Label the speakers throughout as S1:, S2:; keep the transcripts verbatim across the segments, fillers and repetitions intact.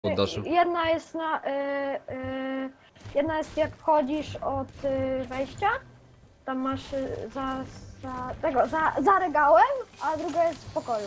S1: poddaszu.
S2: Jedna jest na... Y, y, jedna jest jak wchodzisz od y, wejścia, tam masz y, za, za tego, za, za regałem, a druga jest w pokoju.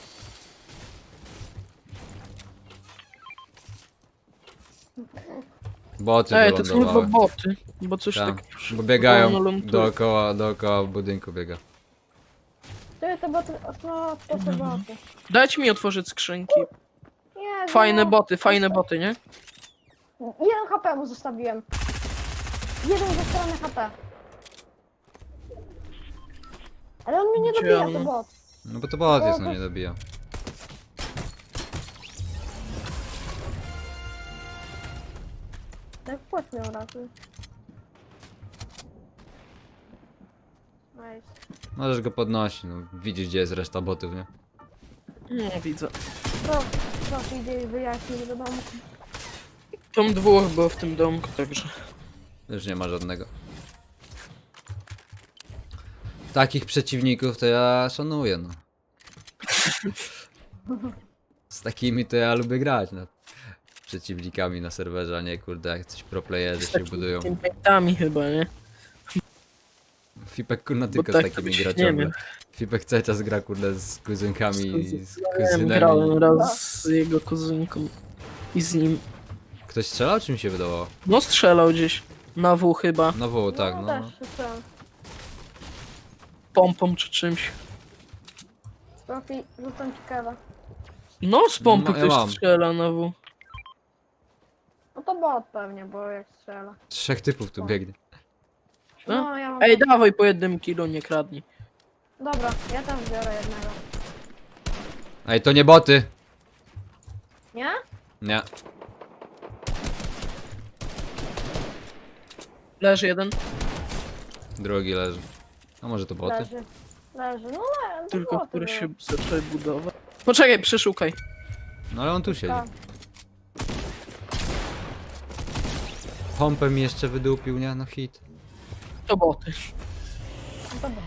S1: Boty
S3: Ej, to są chyba
S1: wylądowały.
S3: boty, bo coś
S1: Tak,
S3: tak...
S1: bo biegają
S3: wolno ląduje.
S1: dookoła, dookoła budynku biega.
S2: Ty, to boty, no to są boty.
S3: Dajcie mi otworzyć skrzynki.
S2: Nie,
S3: Fajne
S2: no,
S3: boty, fajne boty, nie?
S2: Jeden H P mu zostawiłem. Jeden ze strony H P. Ale on mnie nie
S3: Gdzie
S2: dobija,
S3: on?
S2: to bot.
S1: No bo to bot jest, no nie dobija.
S2: Tak płot miał ratuj. Nice.
S1: Możesz go podnosić, no widzisz gdzie jest reszta botów, nie?
S3: Nie widzę.
S2: Proszę, proszę idzie i wyjaśnij do domu.
S3: Tam dwóch było w tym domku, także...
S1: Już nie ma żadnego. Takich przeciwników to ja szanuję, no. Z takimi to ja lubię grać, no. Przeciwnikami na serwerze, a nie kurde jak coś pro playerzy się budują.
S3: Teammate'ami chyba, nie?
S1: Fipek kurna
S3: Bo
S1: tylko
S3: tak
S1: z takimi
S3: to
S1: gra
S3: nie
S1: ciągle.
S3: wiem.
S1: Fipek cały czas gra kurde z kuzynkami i z
S3: Ja grałem
S1: kuzynami.
S3: raz z jego kuzynką i z nim.
S1: Ktoś strzelał czy mi się wydawało?
S3: No strzelał gdzieś. Na W chyba.
S1: No woł, tak, no.
S2: też słyszałem.
S3: Pompą czy czymś.
S2: Profi, rzucam ci kawa.
S3: No z pompy
S1: No, ja
S3: ktoś
S1: mam.
S3: strzela na W.
S2: No to bot pewnie, bo jak strzela.
S1: Trzech typów tu biegnie.
S3: No.
S2: No, ja mam...
S3: Ej, dawaj po jednym kilo, nie kradnij.
S2: Dobra, ja też biorę jednego.
S1: Ej, to nie boty!
S2: Nie?
S1: Nie.
S3: Leży jeden,
S1: Drugi leży. A może to boty?
S2: Leży. Leży, no le, to
S3: tylko
S2: boty
S3: który
S2: były.
S3: się zaczął budować. Poczekaj, przeszukaj.
S1: No ale on tu siedzi.
S2: Tak.
S1: Pompę mi jeszcze wydupił, nie? No hit.
S3: To boty.
S2: No to boty.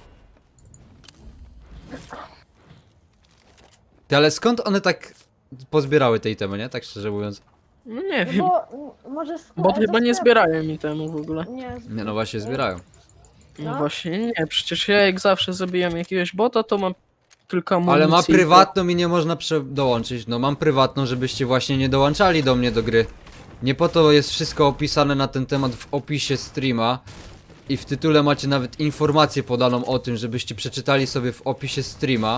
S1: Ty, ale skąd one tak pozbierały tej temy, nie? Tak szczerze mówiąc.
S3: No nie
S2: No
S3: wiem.
S2: bo m, może sk-
S3: Bot
S2: ze
S3: chyba nie
S2: sklepu-
S3: zbierają mi temu w ogóle.
S2: Nie, z-
S1: Nie, no właśnie zbierają.
S3: No
S2: No.
S3: właśnie nie, przecież ja jak zawsze zabijam jakiegoś bota, to mam tylko amunicję.
S1: Ale ma
S3: i to-
S1: prywatną i nie można prze- dołączyć. No mam prywatną, żebyście właśnie nie dołączali do mnie do gry. Nie po to jest wszystko opisane na ten temat w opisie streama. I w tytule macie nawet informację podaną o tym, żebyście przeczytali sobie w opisie streama.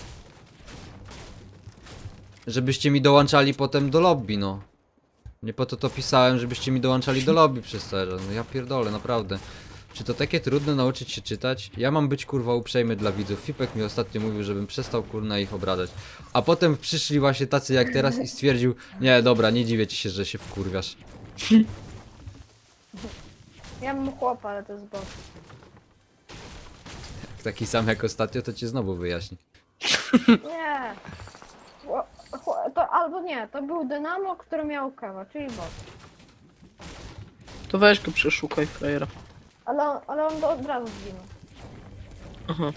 S1: Żebyście mi dołączali potem do lobby, no. Nie po to to pisałem, żebyście mi dołączali do lobby przez to. No ja pierdolę, naprawdę. Czy to takie trudne nauczyć się czytać? Ja mam być kurwa uprzejmy dla widzów. Fipek mi ostatnio mówił, żebym przestał kurna ich obrażać. A potem przyszli właśnie tacy jak teraz i stwierdził: nie, dobra, nie dziwię ci się, że się wkurwiasz.
S2: ja mam chłopa, ale to jest bot.
S1: Taki sam jak ostatnio, to cię znowu wyjaśni.
S2: Nie. Chło- chło- To albo nie, to był Dynamo, który miał kawa, czyli bot.
S3: To weź go przeszukaj, frajera.
S2: Ale on, ale on do- od razu zginął.
S3: Aha.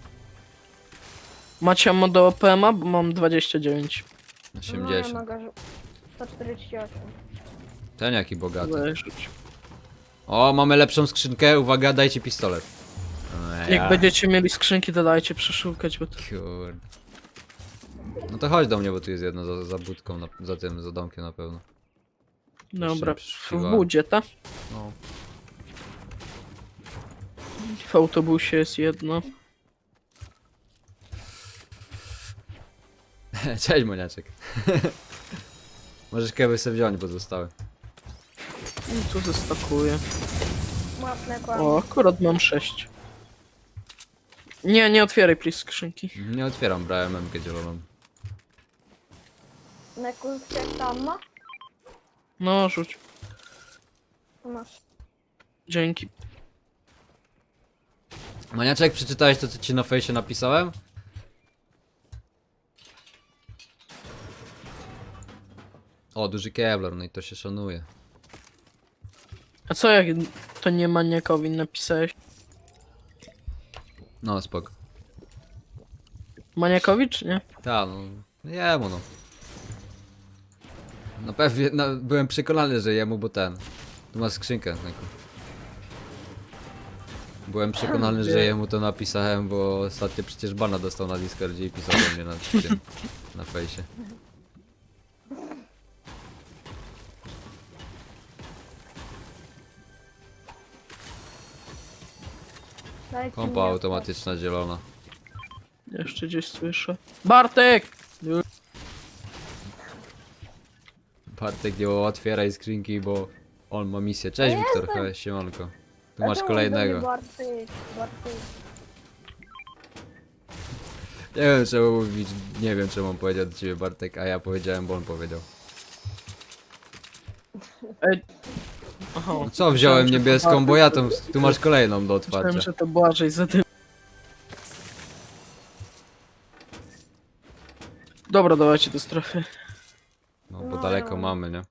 S3: Macie ammo do O P M a? Bo mam dwadzieścia dziewięć.
S2: No ja
S1: osiemdziesiąt.
S2: mogę rzu- sto czterdzieści osiem.
S1: Ten jaki bogaty.
S3: Weź rzuć.
S1: O, mamy lepszą skrzynkę. Uwaga, dajcie pistolet. O,
S3: Jak będziecie mieli skrzynki, to dajcie przeszukać, bo to...
S1: Kurde. No to chodź do mnie, bo tu jest jedno za, za budką, na, za tym, za domkiem na pewno.
S3: Dobra,
S1: Jeszcze
S3: w budzie, tak?
S1: No.
S3: W autobusie jest jedno.
S1: Cześć, Moniaczek. Możesz kewy sobie wziąć, bo zostały.
S3: I tu zestakuję.
S2: Łapne kłamie.
S3: O, akurat mam sześć. Nie, nie otwieraj please skrzynki.
S1: Nie otwieram, brałem M K zieloną.
S2: Nekus, jak tam ma?
S3: No, rzuć.
S2: Masz.
S3: Dzięki.
S1: Moniaczek, przeczytałeś to, co ci na fejsie napisałem? O, duży Kevlar, no i to się szanuje.
S3: A co jak to nie maniakowi napisałeś?
S1: No, spoko.
S3: Maniakowi czy nie?
S1: Ta, no, jemu no. No pewnie, no, byłem przekonany, że jemu, bo ten. Tu ma skrzynkę. Jako. Byłem przekonany, że jemu to napisałem, bo ostatnio przecież bana dostał na Discordzie i pisał do mnie na tym, na fejsie.
S2: Dajcie
S1: Kompa
S2: mi
S1: automatyczna zielona.
S3: Jeszcze gdzieś słyszę. Bartek!
S1: Bartek nie otwieraj skrzynki, bo on ma misję. Cześć
S2: Ja
S1: Wiktor,
S2: jestem.
S1: hej, siemanko. Tu
S2: Dlaczego
S1: masz
S2: mówisz do
S1: kolejnego.
S2: mnie Bartek, Bartek?
S1: Nie wiem czemu mówić, nie wiem czemu on powiedział do ciebie Bartek, a ja powiedziałem, bo on powiedział.
S3: Ej. Aha.
S1: No co, wziąłem
S3: Myślałem, że to
S1: niebieską, bo ja tu,
S3: Bartek.
S1: tu masz kolejną do
S3: Myślałem,
S1: otwarcia.
S3: że to Błażej za tym. Dobra, dawajcie do strefy.
S1: No bo
S2: No,
S1: daleko
S2: no.
S1: mamy, nie?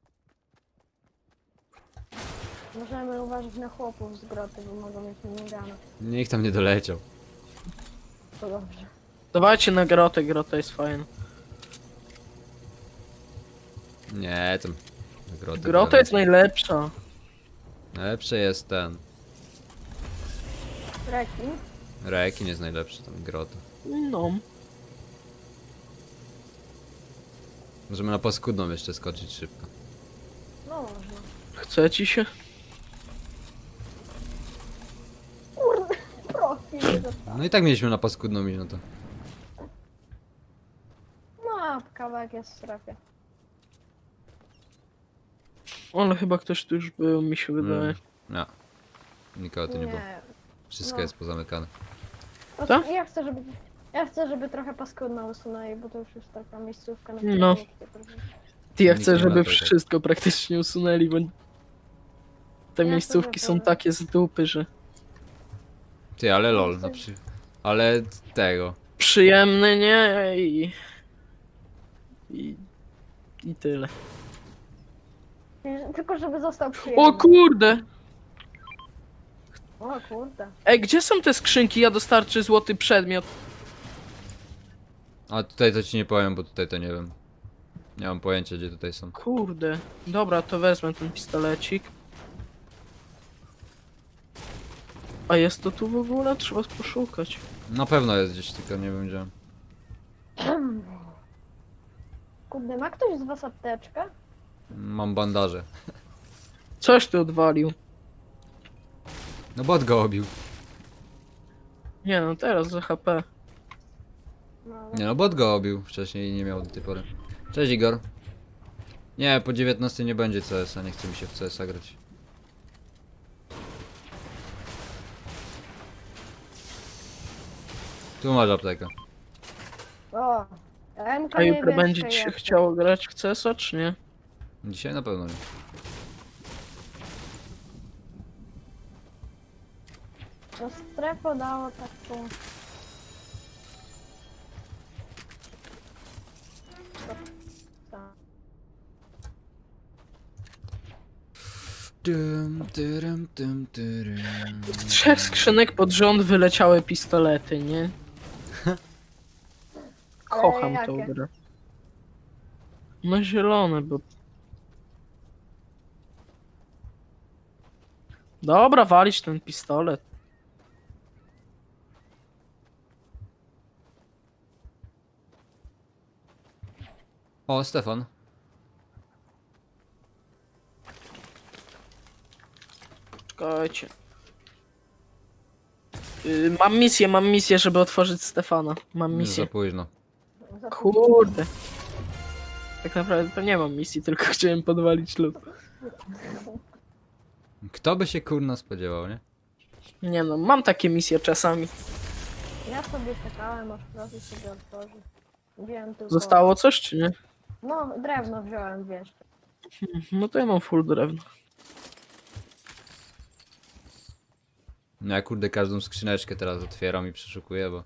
S2: Możemy uważać na chłopów z groty, bo mogą mieć minigunę.
S1: Nikt tam nie doleciał.
S2: To dobrze.
S3: Dawajcie na grotę, grota jest fajna.
S1: Nie, tam... Groty
S3: Grota jest najlepsza.
S1: Najlepszy jest ten.
S2: Rekin.
S1: Rekin jest najlepszy, tam grota.
S3: No.
S1: Możemy na paskudną jeszcze skoczyć szybko.
S2: No można.
S3: Chce ci się?
S2: Kurde, profil nie dostał.
S1: No i tak mieliśmy na paskudną iść, no to.
S2: No, a kawałek jest w strefie.
S3: Ale chyba ktoś tu już był, mi się wydaje.
S1: Mm. No. Nikogo tu nie było.
S2: Nie.
S1: Wszystko
S2: no.
S1: jest pozamykane.
S2: Po
S3: Co?
S2: prostu Ja chcę, żeby... Ja chcę, żeby trochę paskudno usunęli, bo to już jest taka miejscówka na
S3: No.
S2: której-
S3: Ty, ja
S1: Nikt
S3: chcę,
S1: nie ma
S3: żeby
S1: tutaj.
S3: wszystko praktycznie usunęli, bo te
S2: Ja
S3: miejscówki
S2: sobie
S3: są
S2: powiem.
S3: takie z dupy, że
S1: Ty, ale lol, na przy... Ale tego.
S3: przyjemne, nie? I... I, i tyle.
S2: Tylko żeby został przyjemny.
S3: O kurde!
S2: O kurde.
S3: Ej, gdzie są te skrzynki? Ja dostarczę złoty przedmiot.
S1: A tutaj to ci nie powiem, bo tutaj to nie wiem. Nie mam pojęcia, gdzie tutaj są.
S3: Kurde. Dobra, to wezmę ten pistolecik. A jest to tu w ogóle? Trzeba poszukać.
S1: Na pewno jest gdzieś, tylko nie wiem gdzie.
S2: Kurde, ma ktoś z was apteczkę?
S1: Mam bandaże.
S3: Coś ty odwalił.
S1: No bot go obił.
S3: Nie no, teraz za H P.
S2: No,
S1: Nie no, bot go obił wcześniej i nie miał do tej pory. Cześć Igor. Nie, po dziewiętnastej nie będzie C S a, nie chce mi się w C S a grać. Tu masz aptekę.
S2: O, M K
S3: A jutro
S2: niebieska
S3: będzie ci się
S2: jest.
S3: chciało grać w C S a, czy nie?
S1: Dzisiaj na pewno nie.
S2: No strefa dało taką... Tak.
S1: Dym, dyrym, dym, dyrym.
S3: Z trzech skrzynek pod rząd wyleciały pistolety, nie? Kocham
S2: Ale
S3: tą
S2: jakie?
S3: grę. No zielone, bo... Dobra, walić ten pistolet.
S1: O, Stefan.
S3: Czekajcie. Yy, mam misję, mam misję, żeby otworzyć Stefana. Mam
S1: Już
S3: misję.
S1: za późno.
S2: Za-
S3: Kurde. Tak naprawdę to nie mam misji, tylko chciałem podwalić lód.
S1: Kto by się kurna spodziewał, nie?
S3: Nie no, mam takie misje czasami.
S2: Ja sobie czekałem, aż profi sobie otworzy. Wziąłem tylko...
S3: Zostało coś, czy nie?
S2: No, drewno wziąłem, wiesz.
S3: No to ja mam full drewno.
S1: No ja kurde każdą skrzyneczkę teraz otwieram i przeszukuję, bo...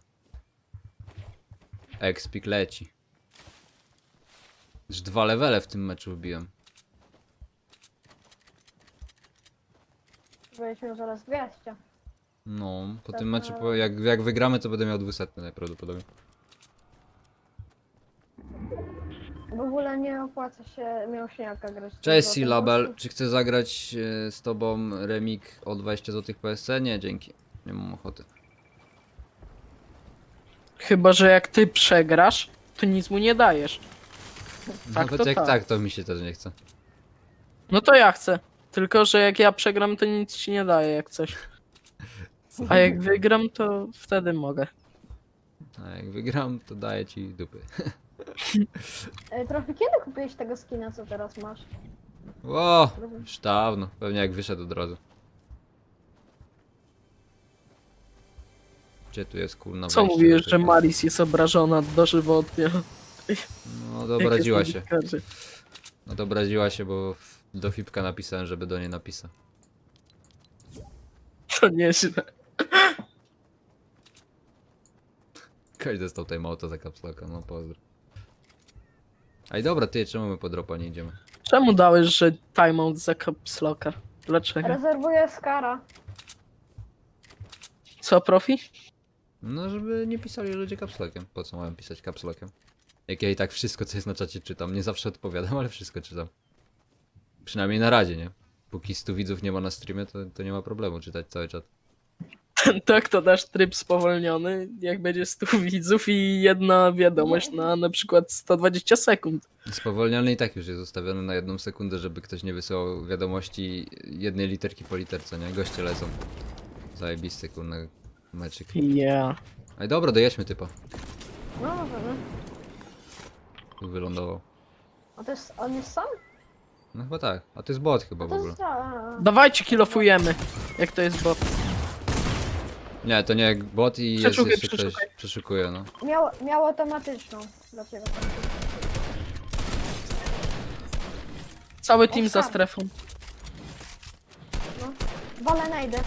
S1: Expik leci. Już dwa levele w tym meczu wbiłem.
S2: Będziesz miał zaraz dwieście.
S1: No, po
S2: Tak,
S1: tym meczu,
S2: ale-
S1: po, jak, jak wygramy, to będę miał dwieście najprawdopodobniej.
S2: W ogóle nie opłaca się mięśniaka grać.
S1: Cześć
S2: Złotym
S1: Silabel,
S2: gościu.
S1: czy chcę zagrać e, z tobą remik o dwadzieścia złotych P S C? Nie, dzięki. Nie mam ochoty.
S3: Chyba, że jak ty przegrasz, to nic mu nie dajesz. Tak,
S1: Nawet
S3: to
S1: jak
S3: tak.
S1: tak, to mi się też nie chce.
S3: No to ja chcę. Tylko, że jak ja przegram, to nic ci nie daje jak coś. A jak wygram, to wtedy mogę.
S1: A jak wygram, to daję ci dupy.
S2: E, Trochę kiedy kupiłeś tego skina, co teraz masz?
S1: O, już dawno. Pewnie jak wyszedł od razu. Gdzie tu jest kurna
S3: Co
S1: wejście
S3: mówisz,
S1: do
S3: że
S1: tej-
S3: Maris jest obrażona dożywotnie?
S1: No dobraziła
S3: Jak
S1: się.
S3: jest dziennikarze.
S1: No dobraziła się, bo w- do Fipka napisałem, żeby do niej napisał.
S3: To nieźle.
S1: Ktoś dostał tutaj małto za kapslaka, no pozdro. Ej dobra, ty, czemu my po dropa nie idziemy?
S3: Czemu dałeś, że timeout za caps locka? Dlaczego?
S2: Rezerwuję Skara.
S3: Co, profi?
S1: No, żeby nie pisali ludzie kapslakiem. Po co mają pisać kapslakiem? Jak ja i tak wszystko, co jest na czacie czytam. Nie zawsze odpowiadam, ale wszystko czytam. Przynajmniej na razie, nie? Póki stu widzów nie ma na streamie, to, to nie ma problemu czytać cały czat.
S3: Tak, to dasz tryb spowolniony, jak będzie stu widzów i jedna wiadomość na na przykład sto dwadzieścia sekund.
S1: Spowolniony i tak już jest ustawiony na jedną sekundę, żeby ktoś nie wysyłał wiadomości jednej literki po literce, nie? Goście lecą. Zajebisty, kurna, meczyk.
S3: Ja.
S1: Ej, dobra, dojedźmy typa.
S2: No możemy.
S1: Tu wylądował.
S2: A to jest, on jest sam?
S1: No chyba tak. A to jest bot chyba
S2: A
S1: w
S2: to
S1: ogóle.
S2: jest... A,
S3: Dawajcie, kilofujemy, jak to jest bot.
S1: Nie, to nie jak bot i jest
S3: Przeszukaj,
S1: jeszcze ktoś
S3: przeszukaj.
S1: przeszukuje, no.
S2: a. Miał, miał automatyczną. Dlaczego?
S3: Cały team za
S2: Oscar.
S3: strefą.
S2: No. Wolę najdę.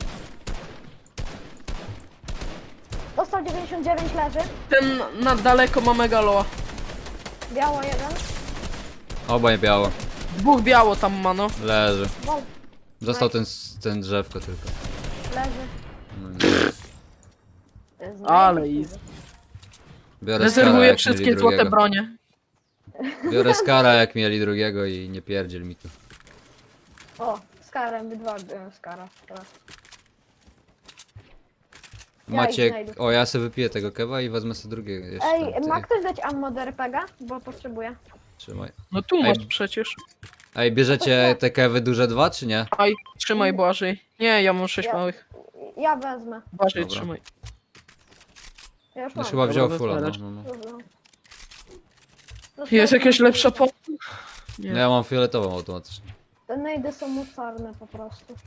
S2: Dostał dziewięćdziesiąt dziewięć, leży.
S3: Ten na daleko ma megaloa.
S2: Biało jeden.
S1: Obaj biało.
S3: Dwóch biało tam ma, no.
S1: Leży.
S2: Wol,
S1: Został ten, ten drzewko tylko.
S2: leży.
S1: No, nie.
S2: To jest
S3: Ale
S2: najlepiej.
S3: easy.
S1: Biorę skara
S3: Rezerwuję
S1: jak
S3: wszystkie
S1: mieli
S3: złote
S1: drugiego.
S3: bronie.
S1: Biorę skara jak mieli drugiego i nie pierdziel mi tu.
S2: O, z karem, wydwa byłem z kara. Teraz. Ja
S1: Macie...
S2: ich znajdę.
S1: O, ja sobie wypiję tego kewa i wezmę sobie drugiego jeszcze.
S2: Ej,
S1: Ty,
S2: ma ktoś dać ammo do er pe gie? Bo potrzebuję.
S1: Trzymaj.
S3: No tu
S1: Ej.
S3: masz przecież.
S1: Ej, bierzecie te kewy duże dwa, czy nie?
S3: Aj, trzymaj Błażej. Nie, ja mam sześć
S2: Ja-
S3: małych.
S2: Ja wezmę.
S3: Błażej,
S1: Dobra.
S3: trzymaj.
S2: Ja już
S1: No
S2: mam.
S1: chyba wziął
S3: Dobra,
S1: fulla, no,
S3: wybierasz.
S1: no, no.
S2: Dobra. No,
S3: Jest
S2: to-
S3: jakaś lepsza po... Nie.
S1: No ja mam fioletową automatycznie.
S2: Te najdy są mocarne po prostu.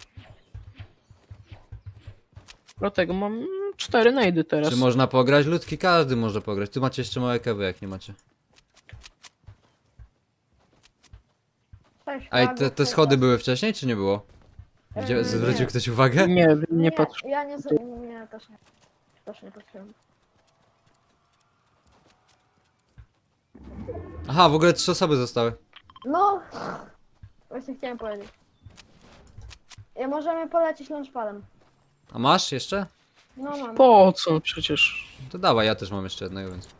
S3: Dlatego mam mm, cztery najdy teraz.
S1: Czy można pograć? Ludki, każdy może pograć. Tu macie jeszcze małe kewy, jak nie macie.
S2: Cześć,
S1: Ej,
S2: Magów,
S1: te, te
S2: cześć.
S1: schody były wcześniej, czy nie było? Gdzie,
S2: Eee,
S1: zwrócił
S2: nie.
S1: ktoś uwagę?
S3: Nie, nie, nie patrz.
S2: Ja nie, z- nie, też nie. Też nie patrzyłem.
S1: Aha, w ogóle trzy osoby zostały.
S2: No! Właśnie chciałem powiedzieć. Ja możemy polecieć launchpadem.
S1: A masz jeszcze?
S2: No mam.
S3: Po co przecież?
S1: To dawaj, ja też mam jeszcze jednego, więc...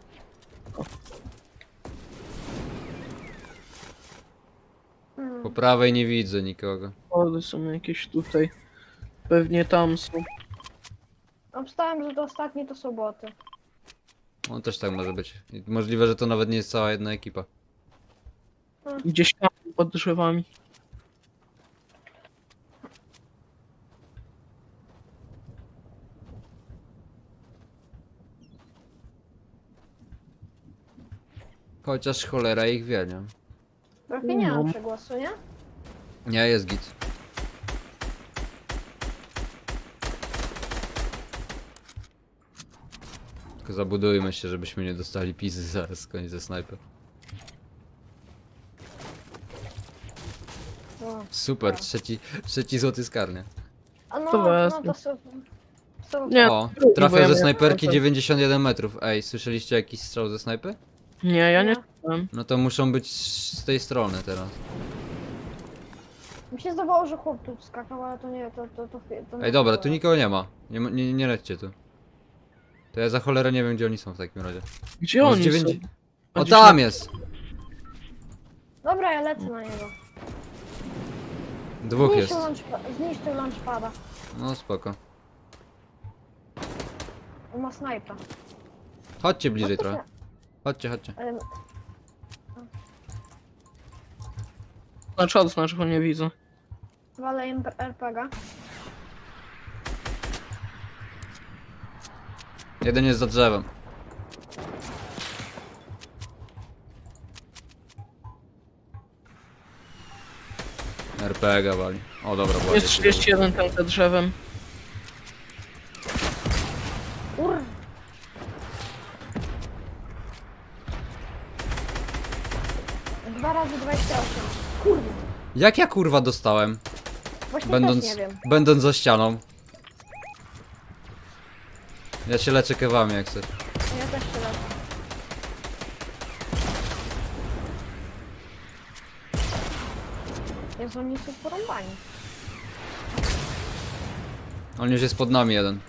S2: Hmm.
S1: Po prawej nie widzę nikogo.
S3: Schody są jakieś tutaj. Pewnie tam są.
S2: Obstałem, że to ostatni to soboty.
S1: On też tak może być. I możliwe, że to nawet nie jest cała jedna ekipa.
S3: Gdzieś tam pod drzewami.
S1: Chociaż cholera ich wie, nie?
S2: Trochę nie mam
S3: No.
S2: przegłosu, nie?
S1: Nie, jest git. Tylko zabudujmy się, żebyśmy nie dostali pizy zaraz koniec ze snajpy.
S2: No.
S1: Super, trzeci, trzeci złoty skarnie.
S2: A no,
S3: To
S2: no
S3: wezmę.
S2: to super. Super.
S3: Nie.
S1: O,
S3: drugi, bo
S1: trafiał
S3: ja
S1: ze
S3: miałem
S1: snajperki
S3: kontakt.
S1: dziewięćdziesiąt jeden metrów. Ej, słyszeliście jakiś strzał ze snajpy?
S3: Nie, ja nie
S2: Nie.
S3: słyszałem.
S1: No to muszą być z tej strony teraz.
S2: Mi się zdawało, że chłop tu skakał, ale to nie, to, to, to, to nie
S1: Ej, dobra,
S2: było.
S1: tu nikogo nie ma. Nie, ma- nie, nie lećcie tu. To ja za cholerę nie wiem, gdzie oni są w takim razie.
S3: Gdzie
S1: Może
S3: oni
S1: dziewięć-
S3: są? A
S1: O,
S3: gdzieś
S1: tam
S3: na-
S1: jest!
S2: Dobra, ja lecę na niego.
S1: Dwóch jest.
S2: Zniszczył, launchpa- zniszczył launchpada.
S1: No spoko.
S2: On ma snajpa.
S1: Chodźcie bliżej
S2: No to
S1: trochę. Chodźcie, chodźcie.
S2: się- em,
S3: Znaczy odznacz, go nie widzę.
S2: Walę R P G.
S1: Jeden jest za drzewem. R P G wali. O dobra,
S3: Jest
S1: ładnie.
S3: trzydzieści jeden tam za drzewem.
S2: Ur. Dwa razy dwadzieścia osiem. Kurde.
S1: Jak ja kurwa dostałem?
S2: Właśnie
S1: Będąc,
S2: też nie wiem.
S1: będąc za ścianą. Ja się leczę kewami jak chcesz.
S2: Ja też się lecę. Jezu, oni są porąbani.
S1: On już jest pod nami jeden.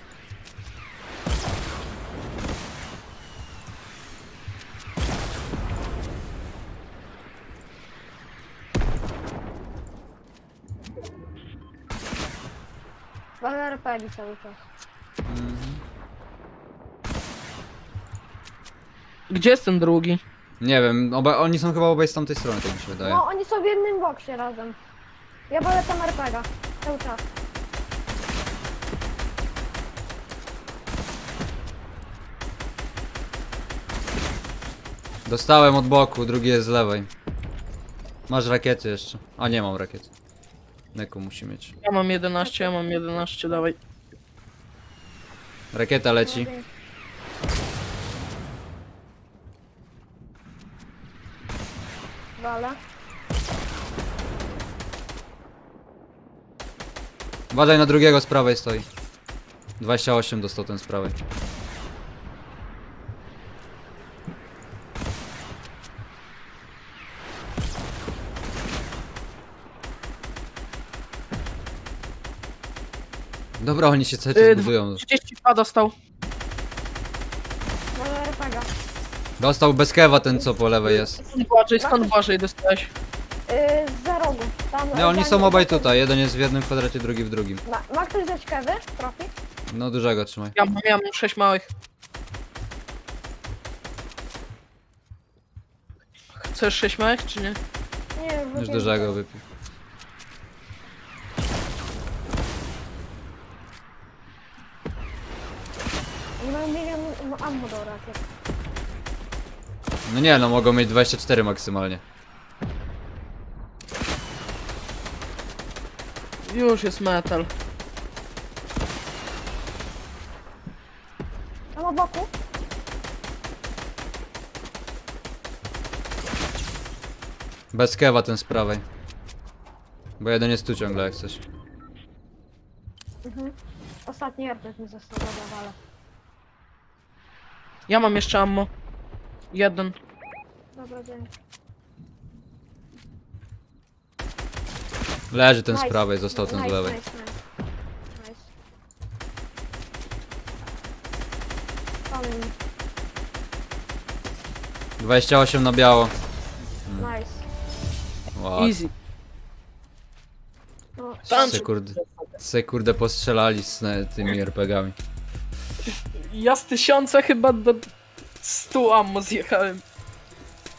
S2: Walę R P G cały czas.
S3: Gdzie jest ten drugi?
S1: Nie wiem, oba, oni są chyba obaj z tamtej strony, tak mi się wydaje.
S2: No, oni są w jednym boksie razem. Ja walę tam R P G. Cały czas.
S1: Dostałem od boku, drugi jest z lewej. Masz rakiety jeszcze. A nie mam rakiet. Neko musi mieć.
S3: Ja mam jedenaście, ja mam jedenaście, dawaj.
S1: Rakieta leci.
S2: Walę.
S1: Uważaj na drugiego z prawej stoi. dwadzieścia osiem dostał ten z prawej. Dobra, oni się cały czas
S3: Yy,
S1: budują.
S3: trzydzieści dwa dostał.
S2: Walę R P G.
S1: Dostał bez kewa ten co po lewej jest.
S3: Skąd Błażej, skąd Błażej dostałeś?
S2: Yy, za rogu. Tam,
S1: Nie, oni
S2: za
S1: są
S2: nim-
S1: obaj tutaj. Jeden jest w jednym kwadracie, drugi w drugim.
S2: Ma, ma ktoś dać kewy? Profi?
S1: No dużego trzymaj.
S3: Ja mam, ja mam sześć małych. Chcesz sześć małych, czy nie?
S2: Nie, już
S1: Już
S2: wypiłem.
S1: dużego wypił.
S2: Nie mam milion ammo do rakiet.
S1: No nie, no mogą mieć dwadzieścia cztery maksymalnie.
S3: Już jest metal.
S2: Tam o boku?
S1: Bez kewa ten z prawej. Bo jeden jest tu ciągle jak coś.
S2: Mhm. Ostatni R P G mi został, dobra, walę.
S3: Ja mam jeszcze ammo. Jeden.
S2: Dobra, dzięki.
S1: Leży ten z
S2: Nice.
S1: prawej, został ten z
S2: Nice,
S1: lewej.
S2: Nice, nice. Nice. Palę mi.
S1: dwadzieścia osiem na biało.
S2: Nice.
S1: Wow.
S3: Easy.
S2: No,
S3: Tam-
S1: Se kurde, se kurde postrzelali z e, tymi er pe gami.
S3: Ja z tysiąca chyba do stu ammo zjechałem.